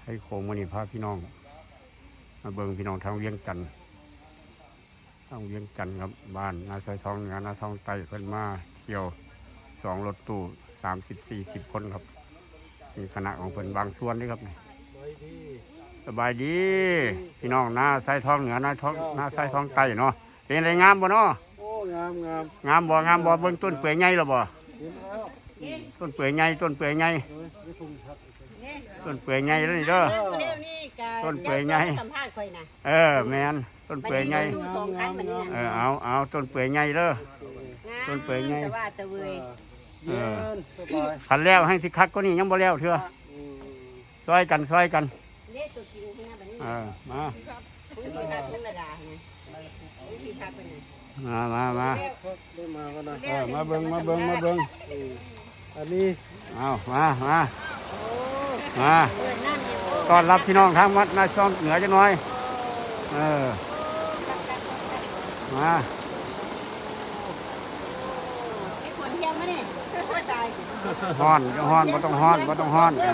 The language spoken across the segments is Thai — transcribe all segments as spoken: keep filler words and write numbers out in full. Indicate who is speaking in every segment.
Speaker 1: ไทยโคงวันนี้พาพี่น้องมาเบิ่งพี่น้องทางเวียงจันทร์ทางเวียงจันทร์ครับบ้านนาซอยทองเหนือนาทองใต้เพิ่นมาเที่ยวสองรถตู้สามสิบสี่สิบคนครับมีคณะของเพิ่นบางส่วนนี่ครับนี่สบายดีพี่น้องนาซอยทองเหนือนาทองนาซอยทองใต้เนาะเป็นไรงามบ่เนาะ
Speaker 2: โอ้งามงาม
Speaker 1: งามบ่งามบ่เบิ่งต้นเปื่อยใหญ่แล้วบ่ต้นเปื่อยใหญ่ต้นเปื่อยใหญ่ต้นเปื่อยใหญ่แล้วนี่เด้อต้นเปื่อยใหญ่สัมภาษณ์ค่อยนะเออแม่นต้นเปื่อยใหญ่เออเอาเอาต้นเปื่อยใหญ่เด้อต้นเปื่อยใหญ่เออขันแล้วให้สิคักก็นี่ยังบ่แล้วเถอะซอยกันซอยกันเออมามามามาเออมาเบิ่งมาเบิ่งมาเบิ่งอันนี้เอามามามาต้อนรับพี่น้องทางวัดนาช่องเหนือจังหน่อยเออมาฮ้อนจะฮ้อนบ่ต้องฮ้อนบ่ต้องฮ้อน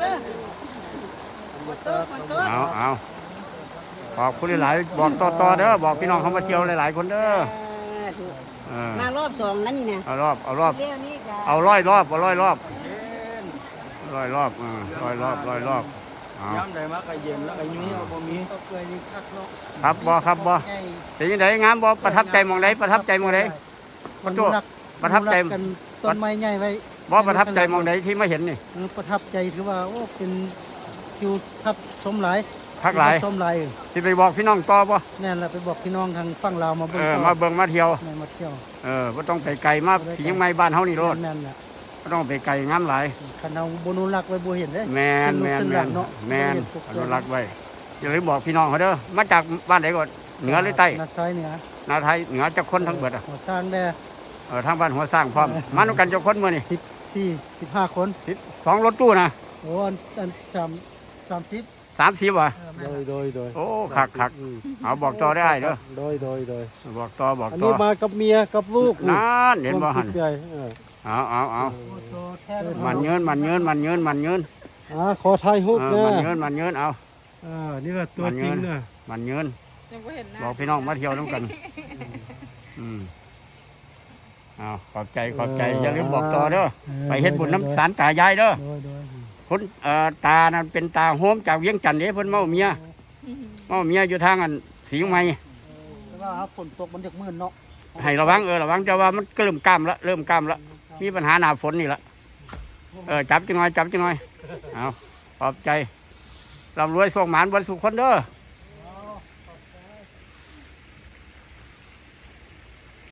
Speaker 1: เอาเอาบอกคุณหลายบอกต่อต่อเด้อบอกพี่น้องเขามาเที่ยวหลายๆคนเด้อ
Speaker 3: มารอบสองนั่นนี่นะ
Speaker 1: เอารอบเอารอบเอาร้อยรอบเอาร้อยรอบร้อยรอบร้อยรอบร้อยรอบ
Speaker 2: ย้ำได้มากก็เย็นแล้วก็ยุ่งเอาบ่มี
Speaker 1: ครับบ่ครับบ่เป็นยังไงงามบ่ประทับใจมองใดประทับใจมองใดประตูประทับใจ
Speaker 2: ต้นไม้ใหญ่ไว้
Speaker 1: บ่ประทับใจมองใดที่ไม่เห็นนี่
Speaker 2: ประทับใจถือว่าโอ้เป็นคิวทับชมหลาย
Speaker 1: พักหลาย
Speaker 2: ชมหลาย
Speaker 1: ที่ไปบอกพี่น้องต่อบ่
Speaker 2: แน่นแหละไปบอกพี่น้องทางฝั่งลาวมาเบิ่ง
Speaker 1: มาเบิ่งมาเที่ยว
Speaker 2: มาเที่ยว
Speaker 1: เออบ่ต้องไปไกลมาที่ยังไม่บ้านเฮานี่โลด
Speaker 2: แม่นแหละ
Speaker 1: บ่ต้องไปไกลงามหลาย
Speaker 2: คันเอาบ่นุรักไว้บ่เห็นเด้
Speaker 1: แม่นแม่นแม่นแม่นอนุรักษ์ไว้อย่าลืมบอกพี่น้องเขาเด้อมาจากบ้านไหนก่อนเหนือหรือใต้
Speaker 2: นาซอยเหนือ
Speaker 1: นาไทยเหนือจักคนทั้งเบิดอ่ะ
Speaker 2: หัวสร้างแด่
Speaker 1: เออทางบ้านหัวสร้างพร้อมมานำกันจักคนมื้อนี่
Speaker 2: สิบสี่ สิบห้าคน
Speaker 1: สิบสองรถตู้นะ
Speaker 2: โอ้อันอันสามสามสิบ
Speaker 1: สามสิบว่ะ
Speaker 2: โดยโดยโดย
Speaker 1: โอ้คักคักเอาบอกต่อได้เด้อ
Speaker 2: โดยโดยโดย
Speaker 1: บอกต่อบอกต่ออัน
Speaker 2: นี้มากับเมียกับลูก
Speaker 1: นั่นเห็นบ่หั่นเอาเอาเอามันเงินมันเงินมันเงินมันเงิน
Speaker 2: อ่าขอถ่ายรูปนะ
Speaker 1: มันเงินมันเงินเอา
Speaker 2: อ่านี่ก็ตัวจริงนะ
Speaker 1: มันเงินบอกพี่น้องมาเที่ยวน้ำกันอืมเอาขอบใจขอบใจอย่าลืมบอกต่อเด้อไปเฮ็ดบุญน้ำสารตายายเด้อคนเอ่อตานั่นเป็นตาโฮมจากเวียงจันทร์เด้เพิ่นเมาเมียเมาเมียอยู่ทางอันสีใหม่
Speaker 2: แต่ว่าฝนตกมันจะมืดเนาะ
Speaker 1: ให้ระวังเออระวังจะว่ามันเริ่มกล้ามละเริ่มกล้ามละมีปัญหาหนาฝนนี่ละเออจับจังหน่อยจับจังหน่อยเอาขอบใจร่ำรวยส่งหมานบรรสุคนเด้อ